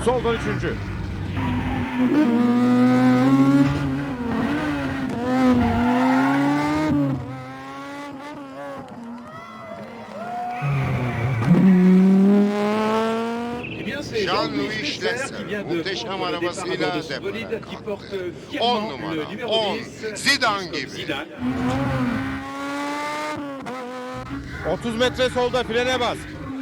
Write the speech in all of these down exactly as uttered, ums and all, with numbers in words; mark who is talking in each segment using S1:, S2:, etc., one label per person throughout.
S1: Soldan üçüncü.
S2: Jean-Louis Schlesser muhteşem arabasıyla depoda kalktı. On numara, on. Zidane gibi.
S1: otuz metre solda, frene bas.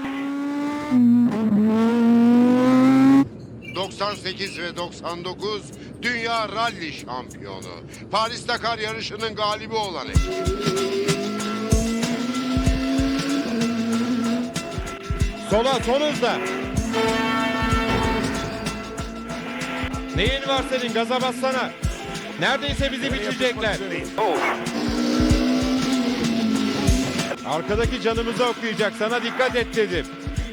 S2: doksan sekiz ve doksan dokuz Dünya Rally Şampiyonu. Paris-Dakar yarışının galibi olan ekip.
S1: Sola, son hızda. Neyin var senin? Gaza bassana. Neredeyse bizi bitirecekler. Arkadaki canımızı okuyacak. Sana dikkat et dedim.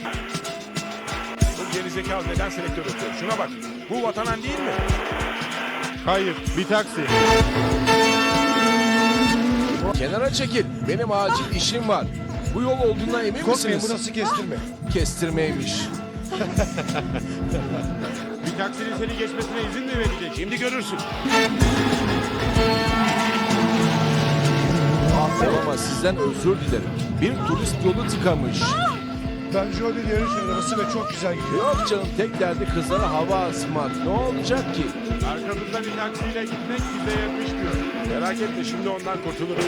S3: Bu gerizekalı neden selektör ötüyor? Şuna bak. Bu vatanen değil mi?
S1: Hayır, bir taksi.
S4: Kenara çekil. Benim acil işim var. Bu yol olduğuna emin
S5: Korkmayın,
S4: misiniz?
S5: burası kestirme.
S4: Kestirmeymiş.
S1: Bir taksinin seni geçmesine izin mi verecek?
S3: Şimdi görürsün.
S4: Ama sizden özür dilerim. Bir turist yolu tıkamış.
S5: Ben Jolly yarış arabası ve çok güzel gidiyor.
S4: Yok canım, tek derdi kızlara hava asmak. Ne olacak ki?
S1: Arkamızda bir taksiyle gitmek bize yakışmıyor.
S3: Merak etme, şimdi ondan kurtulurum.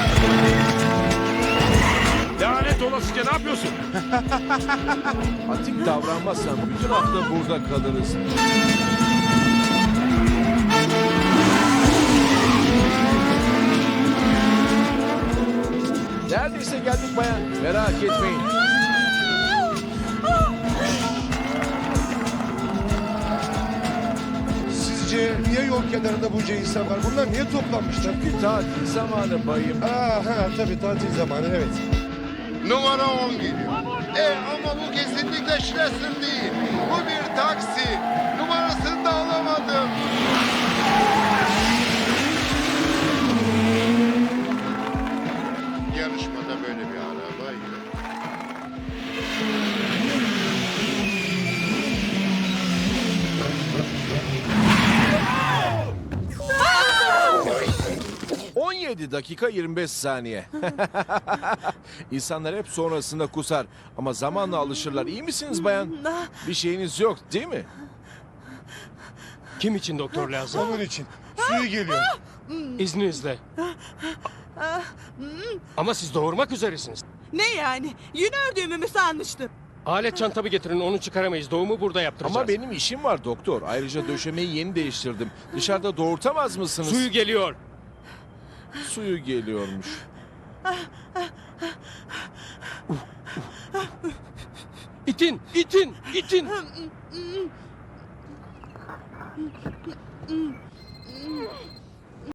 S3: Lanet olasıca ne yapıyorsun?
S4: Atik davranmazsan bütün hafta burada kalırız. Neredeyse geldik bayan. Merak etmeyin.
S5: Sizce niye yol kenarında bunca insan var? Bunlar niye toplanmışlar?
S4: Çünkü tatil zamanı bayım.
S5: Aa, ha, tabii tatil zamanı, evet.
S2: Numara on geliyor. E ama bu kesinlikle Schlesser değil. Bu bir taksi. Numarasını da alamadım. Yarışmada böyle bir araba yok.
S4: on yedi dakika yirmi beş saniye. İnsanlar hep sonrasında kusar. Ama zamanla alışırlar. İyi misiniz bayan? Bir şeyiniz yok değil mi?
S6: Kim için doktor lazım?
S5: Onun için. Suyu geliyor.
S6: İzninizle. Ama siz doğurmak üzeresiniz.
S7: Ne yani? Yün ördüğümü mü sanmıştın?
S6: Alet çantamı getirin, onu çıkaramayız. Doğumu burada yaptıracağız.
S4: Ama benim işim var doktor. Ayrıca döşemeyi yeni değiştirdim. Dışarıda doğurtamaz mısınız?
S6: Suyu geliyor.
S4: Suyu geliyormuş.
S6: İtin, itin, itin.